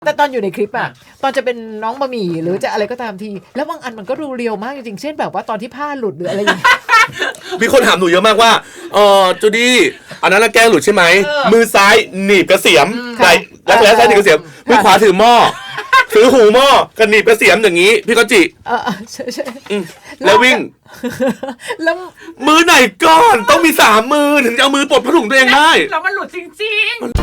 แต่ตอนอยู่ในคลิปอะตอนจะเป็นน้องบะหมี่หรือจะอะไรก็ตามทีแล้วบางอันมันก็ดูเรียวมากจริงๆเช่นแบบว่าตอนที่ผ้าหลุดหรืออะไรอย่างเงี้ยมีคนถามหนูเยอะมากว่าจูดี้อันนั้นแกล้งหลุดใช่ไหมมือซ้ายหนีบกระเสียมไหล่แล้วซ้ายหนีบกระเสียมมือขวาถือหม้อถือหูหม้อกับหนีบกระเสียมอย่างนี้พี่ก็จิใช่แล้ววิ่งแล้วมือไหนก่อนต้องมี3 มือถึงจะเอามือปลดผ้าถุงตัวเองได้แล้วมันหลุดจริงๆ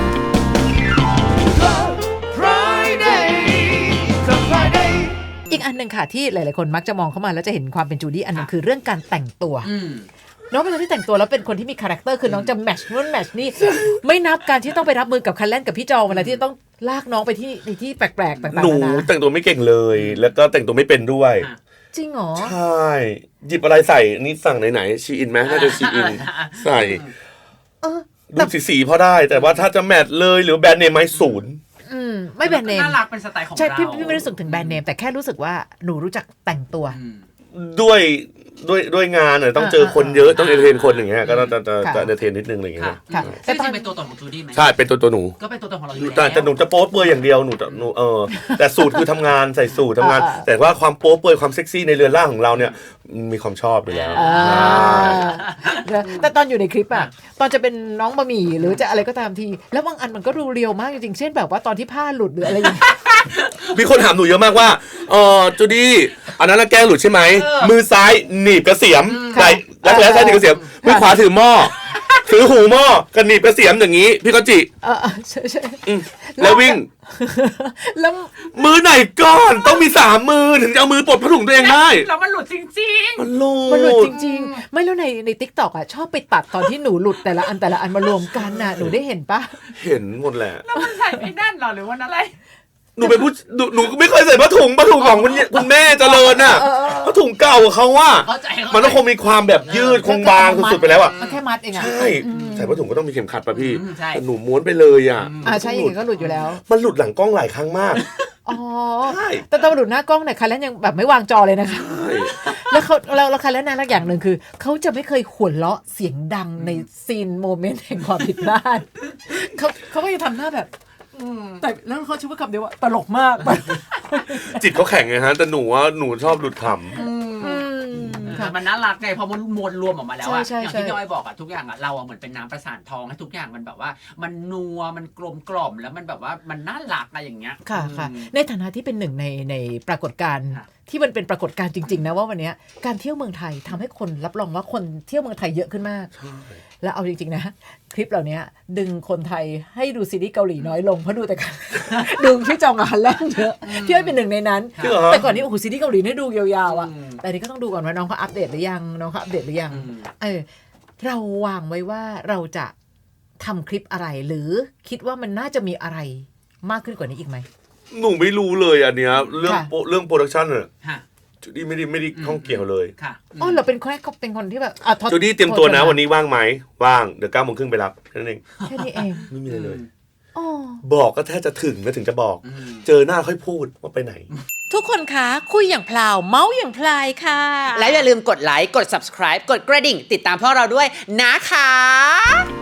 อีกอันหนึ่งค่ะที่หลายๆคนมักจะมองเข้ามาแล้วจะเห็นความเป็นจูดี้อันนึงคือเรื่องการแต่งตัวน้องเป็นคนที่แต่งตัวแล้วเป็นคนที่มีคาแรคเตอร์คือน้องจะแมทช์นู่นแมทช์นี่ไม่นับการที่ต้องไปรับมือกับคันเล่นกับพี่จองเวลาที่ต้องลากน้องไปที่ในที่แปลกๆต่างๆหนูแต่งตัวไม่เก่งเลยแล้วก็แต่งตัวไม่เป็นด้วยจริงเหรอใช่หยิบอะไรใส่นี่สั่งไหนชีอินไหมน่าจะชีอินใส่ดูสีพอได้แต่ว่าถ้าจะแมทเลยหรือแบรนด์เนมไม่0 ไม่แบรนด์เนมน่ารักเป็นสไตล์ของเราใช่พี่ไม่รู้สึกถึงแบรนด์เนมแต่แค่รู้สึกว่าหนูรู้จักแต่งตัวด้วยงานน่ะต้องเจอคนเยอะต้องเอนเตอร์เทนคนอย่างเงี้ยก็จะเอนเตอร์เทนนิดนึงอะไรอย่างเงี้ยแต่จริงเป็นตัวตนของจูดี้ไหมใช่เป็นตัวหนูก็เป็นตัวตนของเราอยู่แล้วแต่หนูจะโป๊เปื่อยอย่างเดียวหนูแต่สูตรคือทำงานใส่สูตรทำงานแต่ว่าความโป๊เปื่อยความเซ็กซี่ในเรือนร่างของเราเนี่ยมีความชอบอยู่แล้วแต่ตอนอยู่ในคลิปอะตอนจะเป็นน้องบะหมี่หรือจะอะไรก็ตามทีแล้วบางอันมันก็ดูเรียวมากจริงๆเช่นแบบว่าตอนที่ผ้าหลุดหรืออะไรอย่างเงี้ยมีคนถามหนูเยอะมากว่าจูดี้อันนั้นแกล้งหลุดใช่ไหมมือซ้ายหนีบกระเสียมไหล่แล้วซ้ายหนีบกระเสียมมือขวาถือหม้อถือหูหม้อกับหนีบกระเสียมอย่างนี้พี่ก็จิใช่แล้ววิ่งแล้วมือไหนก่อนต้องมี3 มือถึงจะเอามือปลดผ้าถุงตัวเองได้แล้วมันหลุดจริงๆมันหลุดจริงๆไม่รู้ใน TikTok อ่ะชอบไปตัดตอนที่หนูหลุดแต่ละอันมารวมกันน่ะหนูได้เห็นปะเห็นหมดแหละแล้วมันใส่ไม่แน่นหรอหรือว่าอะไรหนูเป็นผู้หนูไม่เคยใส่ผ้าถุงของคุณแม่เจริญน่ะผ้าถุงเก่าเขาว่ามันต้องคงมีความแบบยืดคงบางสุดๆไปแล้วอ่ะมันแค่มัดเองอ่ะใช่ใส่ผ้าถุงก็ต้องมีเข็มขัดป่ะพี่แต่หนูม้วนไปเลยอ่ะใช่อย่างนี้ก็หลุดอยู่แล้วมันหลุดหลังกล้องหลายครั้งมากใช่แต่ตอนหลุดหน้ากล้องเนี่ยคันแล้วยังแบบไม่วางจอเลยนะคะแล้วเราคันแล้วนะอย่างหนึ่งคือเขาจะไม่เคยหัวเราะเสียงดังในซีนโมเมนต์แห่งความผิดพลาดเขาก็จะทำหน้าแบบแต่แล้วเขาชื่อว่าคำเดียวว่าตลกมากจิตเขาแข็งไงฮะแต่หนูชอบหลุดขำมันน่ารักไงพอมันมวลรวมออกมาแล้วอะอย่างที่พี่อ้อยบอกอะทุกอย่างอะเราอะเหมือนเป็นน้ำประสานทองให้ทุกอย่างมันแบบว่ามันนัวมันกลมกล่อมแล้วมันแบบว่ามันน่ารักอะไรอย่างเงี้ยค่ะในฐานะที่เป็นหนึ่งในปรากฏการณ์ที่มันเป็นปรากฏการณ์จริงๆนะว่าวันนี้การเที่ยวเมืองไทยทำให้คนรับรองว่าคนเที่ยวเมืองไทยเยอะขึ้นมากแล้วเอาจริงๆนะคลิปเหล่านี้ดึงคนไทยให้ดูซีรีส์เกาหลีน้อยลงเพราะดูแต่กันดูพี่จองอาฮันแลนด์เยอะพี่อ้อยเป็นหนึ่งในนั้นแต่ก่อนนี้โอ้โหซีรีส์เกาหลีนี่ดูยาวๆอ่ะแต่นี้ก็ต้องดูก่อนว่าน้องเขาอัปเดตหรือยังเราวางไว้ว่าเราจะทำคลิปอะไรหรือคิดว่ามันน่าจะมีอะไรมากขึ้นกว่านี้อีกไหมหนูไม่รู้เลยอันเนี้ยเรื่องโปรดักชั่นอะจูดี้ไม่ได้ข้องเกี่ยวเลยเราเป็นคนที่แบบจูดี้เตรียมตัวนะวันนี้ว่างไหมว่างเดี๋ยว 9:30 นไปรับแค่นั้นเองแค่นี้เองไม่มีอะไรเลยบอกก็แทบจะถึงแล้วถึงจะบอกเจอหน้าค่อยพูดว่าไปไหนทุกคนคะคุยอย่างพลาวเมาส์อย่างพลายค่ะและอย่าลืมกดไลค์กด subscribe กดกระดิ่งติดตามพวกเราด้วยนะคะ